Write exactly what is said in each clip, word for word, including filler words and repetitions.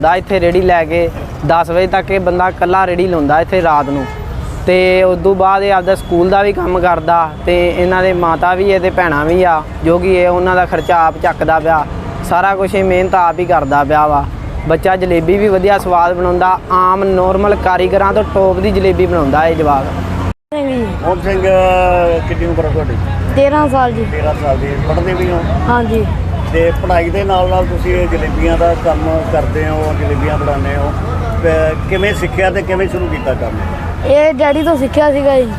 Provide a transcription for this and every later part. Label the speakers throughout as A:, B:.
A: ਦਾ ਇੱਥੇ ਰੇੜੀ ਲੈ ਕੇ दस ਵਜੇ ਤੱਕ ਇਹ ਬੰਦਾ ਇਕੱਲਾ ਰੇੜੀ ਲਾਉਂਦਾ ਇੱਥੇ ਰਾਤ ਨੂੰ। ਤੇ ਉਸ ਤੋਂ ਬਾਅਦ ਇਹ ਆਪਦਾ ਸਕੂਲ ਦਾ ਵੀ ਕੰਮ ਕਰਦਾ ਤੇ ਇਹਨਾਂ ਦੇ ਮਾਤਾ ਵੀ ਹੈ ਤੇ ਭੈਣਾਂ ਵੀ ਆ ਜੋ ਕਿ ਇਹ ਉਹਨਾਂ ਦਾ ਖਰਚਾ ਆਪ ਚੱਕਦਾ ਪਿਆ। ਸਾਰਾ ਕੁਝ ਇਹ ਮਿਹਨਤ ਆਪ ਹੀ ਕਰਦਾ ਪਿਆ ਵਾ। ਬੱਚਾ ਜਲੇਬੀ ਵੀ ਵਧੀਆ ਸਵਾਦ ਬਣਾਉਂਦਾ, ਆਮ ਨੋਰਮਲ ਕਾਰੀਗਰਾਂ ਤੋਂ ਟੋਪ ਦੀ ਜਲੇਬੀ ਬਣਾਉਂਦਾ ਇਹ ਜਵਾਕ।
B: ਮੋਹਨ ਸਿੰਘ ਕਿੰਨੀ ਉਮਰ ਹੈ ਤੁਹਾਡੀ?
C: तेरह साल जी।
B: तेरह साल ਦੀ। ਪੜ੍ਹਦੇ ਵੀ ਹੋ?
C: हाँ जी।
B: ਤੇ ਪੜ੍ਹਾਈ ਦੇ ਨਾਲ ਨਾਲ ਤੁਸੀਂ ਇਹ ਜਲੇਬੀਆਂ ਦਾ ਕੰਮ ਕਰਦੇ ਹੋ, ਜਲੇਬੀਆਂ ਬਣਾਉਂਦੇ ਹੋ, ਕਿਵੇਂ ਸਿੱਖਿਆ ਤੇ ਕਿਵੇਂ ਸ਼ੁਰੂ ਕੀਤਾ ਕੰਮ?
C: ਇਹ ਡੈਡੀ ਤੋਂ ਸਿੱਖਿਆ ਸੀਗਾ ਜੀ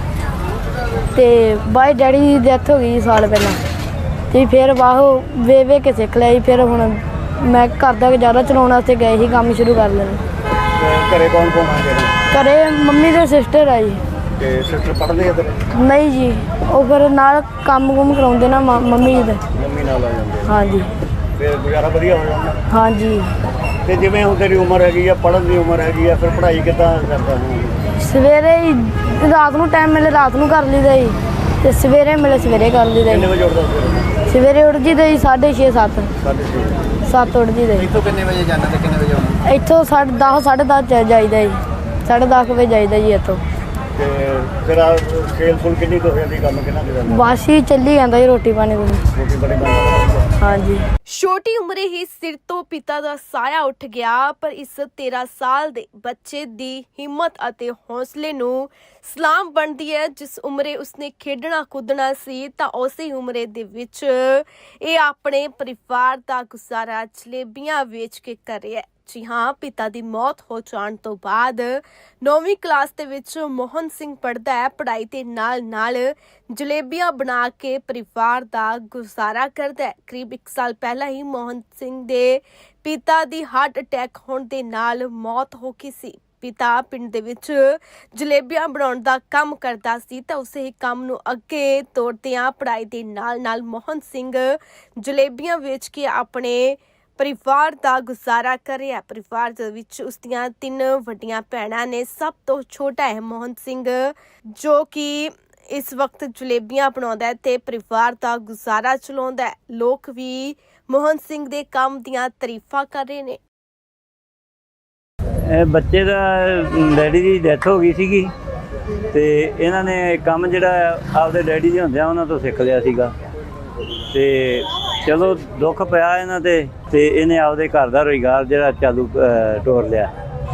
C: ਤੇ ਬਾਈ ਡੈਡੀ ਦੀ ਡੈਥ ਹੋ ਗਈ ਸਾਲ ਪਹਿਲਾਂ ਤੇ ਫਿਰ ਬਾਹੋਂ ਵੇ ਵੇ ਕੇ ਸਿੱਖ ਲਿਆ ਜੀ। ਫਿਰ ਹੁਣ ਮੈਂ ਘਰ ਦਾ ਗੁਜ਼ਾਰਾ ਚਲਾਉਣ ਵਾਸਤੇ ਗਏ ਸੀ ਕੰਮ ਸ਼ੁਰੂ ਕਰ ਲੈਣਾ।
B: ਘਰੇ ਕੌਣ ਕੌਣ ਆ ਗਿਆ?
C: ਘਰੇ ਮੰਮੀ ਦੇ ਸਿਸਟਰ ਆ ਜੀ।
B: ਤੇ ਸਿਸਟਰ ਪੜ੍ਹਦੇ ਆ?
C: ਨਹੀਂ ਜੀ, ਉਹ ਫਿਰ ਨਾਲ ਕੰਮ ਕੁਮ ਕਰਾਉਂਦੇ ਨਾ ਮੰਮੀ ਜੀ ਦੇ।
B: ਮੰਮੀ ਨਾਲ ਆ ਜਾਂਦੇ?
C: ਹਾਂਜੀ।
B: ਫਿਰ ਗੁਜ਼ਾਰਾ ਵਧੀਆ ਹੋ ਜਾਂਦਾ?
C: ਹਾਂਜੀ।
B: ਤੇ ਜਿਵੇਂ ਹੁਣ ਤੇਰੀ ਉਮਰ ਹੈਗੀ ਆ, ਪੜ੍ਹਨ ਦੀ ਉਮਰ ਹੈਗੀ ਆ, ਫਿਰ ਪੜ੍ਹਾਈ ਕਿੱਦਾਂ ਕਰਦਾ ਹੁਣ?
C: ਸਵੇਰੇ ਹੀ ਰਾਤ ਨੂੰ ਟਾਈਮ ਮਿਲੇ ਰਾਤ ਨੂੰ ਕਰ ਲਈਦਾ ਜੀ ਤੇ ਸਵੇਰੇ ਮਿਲੇ ਸਵੇਰੇ ਕਰ ਲਈਦਾ।
B: ਕਿੰਨੇ ਵਜੇ ਉੱਠਦਾ ਸਵੇਰੇ?
C: ਸਵੇਰੇ ਉੱਠ ਜੀਦਾ ਜੀ ਸਾਢੇ ਛੇ ਸੱਤ।
B: ਸਾਢੇ ਛੇ
C: ਸੱਤ ਉੱਠ ਜੀਦਾ।
B: ਇੱਥੋਂ ਕਿੰਨੇ ਵਜੇ ਜਾਣਾ ਤੇ ਕਿੰਨੇ ਵਜੇ ਆਉਣਾ?
C: ਇੱਥੋਂ ਸਾਢੇ ਦਸ ਸਾਢੇ ਦਸ ਜਾਈਦਾ ਜੀ। ਸਾਢੇ ਦਸ ਵਜੇ ਜਾਈਦਾ ਜੀ ਇੱਥੋਂ।
B: ਤੇ ਫਿਰ ਆ ਸੇਲ ਫੁੱਲ ਕਿੰਨੀ ਕੁ ਹੋ ਜਾਂਦੀ? ਕੰਮ ਕਿੰਨਾ ਕੁ ਜਾਂਦਾ?
C: ਬਸ ਹੀ ਚੱਲੀ ਜਾਂਦਾ ਜੀ ਰੋਟੀ ਪਾਣੀ ਕੋਲ।
B: ਰੋਟੀ ਬੜੀ ਬਣਦੀ?
C: ਹਾਂਜੀ।
D: ਛੋਟੀ ਉਮਰੇ ਹੀ ਸਿਰ ਤੋਂ ਪਿਤਾ ਦਾ ਸਾਇਆ ਉੱਠ ਗਿਆ, ਪਰ ਇਸ तेरह ਸਾਲ ਦੇ ਬੱਚੇ ਦੀ ਹਿੰਮਤ ਅਤੇ ਹੌਸਲੇ ਨੂੰ ਸਲਾਮ ਬਣਦੀ ਹੈ। ਜਿਸ ਉਮਰੇ ਉਸਨੇ ਖੇਡਣਾ ਕੁੱਦਣਾ ਸੀ ਤਾਂ ਉਸੇ ਉਮਰੇ ਦੇ ਵਿੱਚ ਇਹ ਆਪਣੇ ਪਰਿਵਾਰ ਦਾ ਗੁਜ਼ਾਰਾ ਜਲੇਬੀਆਂ ਵੇਚ ਕੇ ਕਰ ਰਿਹਾ ਹੈ। ਜੀ ਹਾਂ, ਪਿਤਾ ਦੀ ਮੌਤ ਹੋ ਜਾਣ ਤੋਂ ਬਾਅਦ ਨੌਵੀਂ ਕਲਾਸ ਦੇ ਵਿੱਚ ਮੋਹਨ ਸਿੰਘ ਪੜ੍ਹਦਾ ਹੈ। ਪੜ੍ਹਾਈ ਦੇ ਨਾਲ ਨਾਲ ਜਲੇਬੀਆਂ ਬਣਾ ਕੇ ਪਰਿਵਾਰ ਦਾ ਗੁਜ਼ਾਰਾ ਕਰਦਾ ਹੈ। ਕਰੀਬ ਇੱਕ ਸਾਲ ਪਹਿਲਾਂ ਹੀ ਮੋਹਨ ਸਿੰਘ ਦੇ ਪਿਤਾ ਦੀ ਹਾਰਟ ਅਟੈਕ ਹੋਣ ਦੇ ਨਾਲ ਮੌਤ ਹੋ ਗਈ ਸੀ। ਪਿਤਾ ਪਿੰਡ ਦੇ ਵਿੱਚ ਜਲੇਬੀਆਂ ਬਣਾਉਣ ਦਾ ਕੰਮ ਕਰਦਾ ਸੀ ਤਾਂ ਉਸੇ ਹੀ ਕੰਮ ਨੂੰ ਅੱਗੇ ਤੋਰਦਿਆਂ ਪੜ੍ਹਾਈ ਦੇ ਨਾਲ ਨਾਲ ਮੋਹਨ ਸਿੰਘ ਜਲੇਬੀਆਂ ਵੇਚ ਕੇ ਆਪਣੇ ਪਰਿਵਾਰ ਦਾ ਗੁਜ਼ਾਰਾ ਕਰ ਰਿਹਾ। ਪਰਿਵਾਰ ਦੇ ਵਿੱਚ ਉਸਦੀਆਂ ਤਿੰਨ ਵੱਡੀਆਂ ਭੈਣਾਂ ਨੇ। ਸਭ ਤੋਂ ਛੋਟਾ ਹੈ ਮੋਹਨ ਸਿੰਘ ਜੋ ਕਿ ਇਸ ਵਕਤ ਜਲੇਬੀਆਂ ਬਣਾਉਂਦਾ ਹੈ ਤੇ ਪਰਿਵਾਰ ਦਾ ਗੁਜ਼ਾਰਾ ਚਲਾਉਂਦਾ ਹੈ। ਲੋਕ ਵੀ ਮੋਹਨ ਸਿੰਘ ਦੇ ਕੰਮ ਦੀਆਂ ਤਾਰੀਫਾਂ ਕਰ ਰਹੇ ਨੇ।
E: ਇਹ ਬੱਚੇ ਦਾ ਡੈਡੀ ਦੀ ਡੈਥ ਹੋ ਗਈ ਸੀਗੀ ਤੇ ਇਹਨਾਂ ਨੇ ਕੰਮ ਜਿਹੜਾ ਆਪਦੇ ਡੈਡੀ ਦੇ ਹੁੰਦਿਆਂ ਉਹਨਾਂ ਤੋਂ ਸਿੱਖ ਲਿਆ ਸੀਗਾ ਤੇ ਚਲੋ ਦੁੱਖ ਪਿਆ ਇਹਨਾਂ ਤੇ ਤੇ ਇਹਨੇ ਆਪਦੇ ਘਰ ਦਾ ਰੁਜ਼ਗਾਰ ਜਿਹੜਾ ਚਾਲੂ ਤੋਰ ਲਿਆ।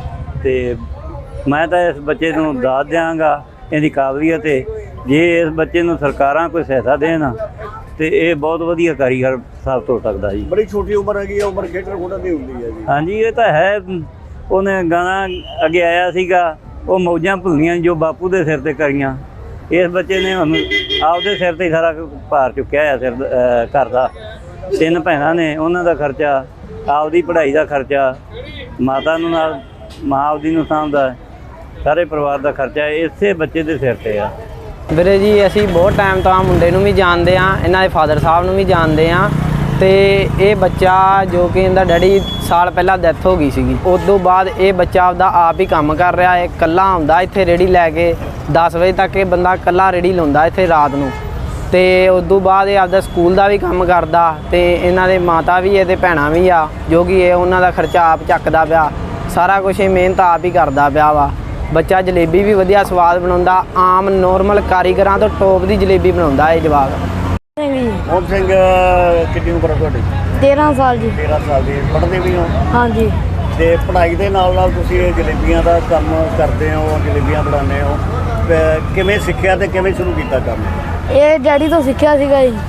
E: ਤੇ ਮੈਂ ਤਾਂ ਇਸ ਬੱਚੇ ਨੂੰ ਦਾਤ ਦਿਆਂਗਾ ਇਹਦੀ ਕਾਬਲੀਅਤ ਹੈ। ਜੇ ਇਸ ਬੱਚੇ ਨੂੰ ਸਰਕਾਰਾਂ ਕੋਈ ਸਹਾਇਤਾ ਦੇਣ ਤੇ ਇਹ ਬਹੁਤ ਵਧੀਆ ਕਾਰੀਗਰ ਸਾਬਤ ਹੋ ਸਕਦਾ ਜੀ।
B: ਬੜੀ ਛੋਟੀ ਉਮਰ ਹੈਗੀ ਆ, ਉਮਰ ਖੇਡਣ ਖੁੱਡਣ ਦੀ ਹੁੰਦੀ ਹੈ ਜੀ।
E: ਹਾਂਜੀ, ਇਹ ਤਾਂ ਹੈ। ਉਹਨੇ ਗਾਣਾ ਅੱਗੇ ਆਇਆ ਸੀਗਾ, ਉਹ ਮੌਜਾਂ ਭੁੱਲੀਆਂ ਜੋ ਬਾਪੂ ਦੇ ਸਿਰ ਤੇ ਕਰੀਆਂ। ਇਸ ਬੱਚੇ ਨੇ ਹੁਣ ਆਪਦੇ ਸਿਰ ਤੇ ਸਾਰਾ ਭਾਰ ਚੁੱਕਿਆ ਹੋਇਆ ਸਿਰ ਘਰ ਦਾ। ਤਿੰਨ ਭੈਣਾਂ ਨੇ, ਉਹਨਾਂ ਦਾ ਖਰਚਾ, ਆਪਦੀ ਪੜ੍ਹਾਈ ਦਾ ਖਰਚਾ, ਮਾਤਾ ਨੂੰ ਨਾਲ ਮਾਂ ਆਪਦੀ ਨੂੰ ਸਾਂਭਦਾ, ਸਾਰੇ ਪਰਿਵਾਰ ਦਾ ਖਰਚਾ ਇਸੇ ਬੱਚੇ ਦੇ ਸਿਰ ਤੇ ਆ।
A: ਵੀਰੇ ਜੀ ਅਸੀਂ ਬਹੁਤ ਟਾਈਮ ਤੋਂ ਆ ਮੁੰਡੇ ਨੂੰ ਵੀ ਜਾਣਦੇ ਹਾਂ, ਇਹਨਾਂ ਦੇ ਫਾਦਰ ਸਾਹਿਬ ਨੂੰ ਵੀ ਜਾਣਦੇ ਹਾਂ ਤੇ ਇਹ ਬੱਚਾ ਜੋ ਕਿ ਇਹਦਾ ਡੈਡੀ ਸਾਲ ਪਹਿਲਾਂ ਡੈਥ ਹੋ ਗਈ ਸੀਗੀ, ਉਸ ਤੋਂ ਬਾਅਦ ਇਹ ਬੱਚਾ ਆਪਦਾ ਆਪ ਹੀ ਕੰਮ ਕਰ ਰਿਹਾ ਹੈ। ਇਕੱਲਾ ਆਉਂਦਾ ਇੱਥੇ ਰੇੜੀ ਲੈ ਕੇ दस ਵਜੇ ਤੱਕ ਇਹ ਬੰਦਾ ਇਕੱਲਾ ਰੇੜੀ ਲਾਉਂਦਾ ਇੱਥੇ ਰਾਤ ਨੂੰ। ਤੇ ਉਸ ਤੋਂ ਬਾਅਦ ਇਹ ਆਪਦਾ ਸਕੂਲ ਦਾ ਵੀ ਕੰਮ ਕਰਦਾ ਤੇ ਇਹਨਾਂ ਦੇ ਮਾਤਾ ਵੀ ਹੈ ਤੇ ਭੈਣਾਂ ਵੀ ਆ ਜੋ ਕਿ ਇਹ ਉਹਨਾਂ ਦਾ ਖਰਚਾ ਆਪ ਚੱਕਦਾ ਪਿਆ। ਸਾਰਾ ਕੁਝ ਇਹ ਮਿਹਨਤ ਆਪ ਹੀ ਕਰਦਾ ਪਿਆ ਵਾ। ਬੱਚਾ ਜਲੇਬੀ ਵੀ ਵਧੀਆ ਸਵਾਦ ਬਣਾਉਂਦਾ, ਆਮ ਨੋਰਮਲ ਕਾਰੀਗਰਾਂ ਤੋਂ ਟੋਪ ਦੀ ਜਲੇਬੀ ਬਣਾਉਂਦਾ ਇਹ ਜਵਾਕ।
B: ਮੋਹਨ ਸਿੰਘ ਕਿੰਨੀ ਉਮਰ ਹੈ ਤੁਹਾਡੀ?
C: तेरह साल जी।
B: तेरह ਸਾਲ ਦੀ। ਪੜ੍ਹਦੇ ਵੀ ਹੋ?
C: हाँ जी।
B: ਤੇ ਪੜ੍ਹਾਈ ਦੇ ਨਾਲ ਨਾਲ ਤੁਸੀਂ ਇਹ ਜਲੇਬੀਆਂ ਦਾ ਕੰਮ ਕਰਦੇ ਹੋ, ਜਲੇਬੀਆਂ ਬਣਾਉਂਦੇ ਹੋ, ਕਿਵੇਂ ਸਿੱਖਿਆ ਤੇ ਕਿਵੇਂ ਸ਼ੁਰੂ ਕੀਤਾ ਕੰਮ?
C: ਇਹ ਡੈਡੀ ਤੋਂ ਸਿੱਖਿਆ ਸੀਗਾ ਜੀ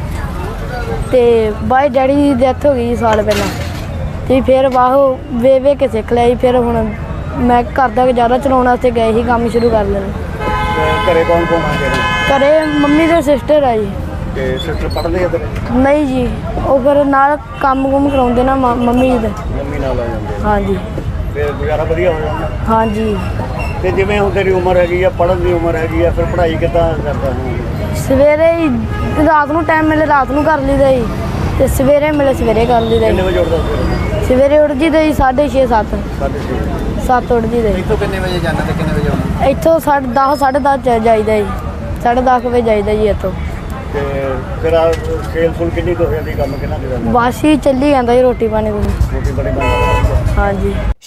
C: ਤੇ ਬਾਈ ਡੈਡੀ ਦੀ ਡੈਥ ਹੋ ਗਈ ਸਾਲ ਪਹਿਲਾਂ ਤੇ ਫਿਰ ਬਾਹੋਂ ਵੇ ਵੇ ਕੇ ਸਿੱਖ ਲਿਆ ਜੀ। ਫਿਰ ਹੁਣ ਮੈਂ ਘਰ ਦਾ ਗੁਜ਼ਾਰਾ ਚਲਾਉਣ ਵਾਸਤੇ ਗਏ ਸੀ ਕੰਮ ਸ਼ੁਰੂ ਕਰ ਲੈਣਾ।
B: ਘਰੇ ਕੌਣ ਕੌਣ ਆ ਗਿਆ?
C: ਘਰੇ ਮੰਮੀ ਦੇ ਸਿਸਟਰ ਆ ਜੀ।
B: ਤੇ ਸਿਸਟਰ ਪੜ੍ਹਦੇ ਆ?
C: ਨਹੀਂ ਜੀ, ਉਹ ਫਿਰ ਨਾਲ ਕੰਮ ਕੁਮ ਕਰਾਉਂਦੇ ਨਾ ਮੰਮੀ ਜੀ ਦੇ।
B: ਮੰਮੀ ਨਾਲ ਆ ਜਾਂਦੇ?
C: ਹਾਂਜੀ।
B: ਫਿਰ ਗੁਜ਼ਾਰਾ ਵਧੀਆ ਹੋ ਜਾਂਦਾ?
C: ਹਾਂਜੀ।
B: ਤੇ ਜਿਵੇਂ ਹੁਣ ਤੇਰੀ ਉਮਰ ਹੈਗੀ ਆ, ਪੜ੍ਹਨ ਦੀ ਉਮਰ ਹੈਗੀ ਆ, ਫਿਰ ਪੜ੍ਹਾਈ ਕਿੱਦਾਂ ਕਰਦਾ ਹੁਣ?
C: ਸਵੇਰੇ ਹੀ ਰਾਤ ਨੂੰ ਟਾਈਮ ਮਿਲੇ ਰਾਤ ਨੂੰ ਕਰ ਲਈਦਾ ਜੀ ਤੇ ਸਵੇਰੇ ਮਿਲੇ ਸਵੇਰੇ ਕਰ ਲਈਦਾ।
B: ਕਿੰਨੇ ਵਜੇ ਉੱਠਦਾ ਸਵੇਰੇ?
C: ਸਵੇਰੇ ਉੱਠ ਜੀਦਾ ਜੀ ਸਾਢੇ ਛੇ ਸੱਤ।
B: ਸਾਢੇ ਛੇ
C: ਸੱਤ ਉੱਠ ਜੀਦਾ।
B: ਇੱਥੋਂ ਕਿੰਨੇ ਵਜੇ ਜਾਣਾ ਤੇ ਕਿੰਨੇ ਵਜੇ ਆਉਣਾ?
C: ਇੱਥੋਂ ਸਾਢੇ ਦਸ ਸਾਢੇ ਦਸ ਜਾਈਦਾ ਜੀ। ਸਾਢੇ ਦਸ ਵਜੇ ਜਾਈਦਾ ਜੀ ਇੱਥੋਂ।
B: ਤੇ ਫਿਰ ਆ ਸੇਲ ਫੁੱਲ ਕਿੰਨੀ ਕੁ ਹੋ ਜਾਂਦੀ? ਕੰਮ ਕਿੰਨਾ ਕੁ ਜਾਂਦਾ?
C: ਬਸ ਹੀ ਚੱਲੀ ਜਾਂਦਾ ਜੀ ਰੋਟੀ ਪਾਣੀ ਕੋਲ।
B: ਰੋਟੀ ਬੜੀ ਬਣਦੀ?
C: ਹਾਂਜੀ।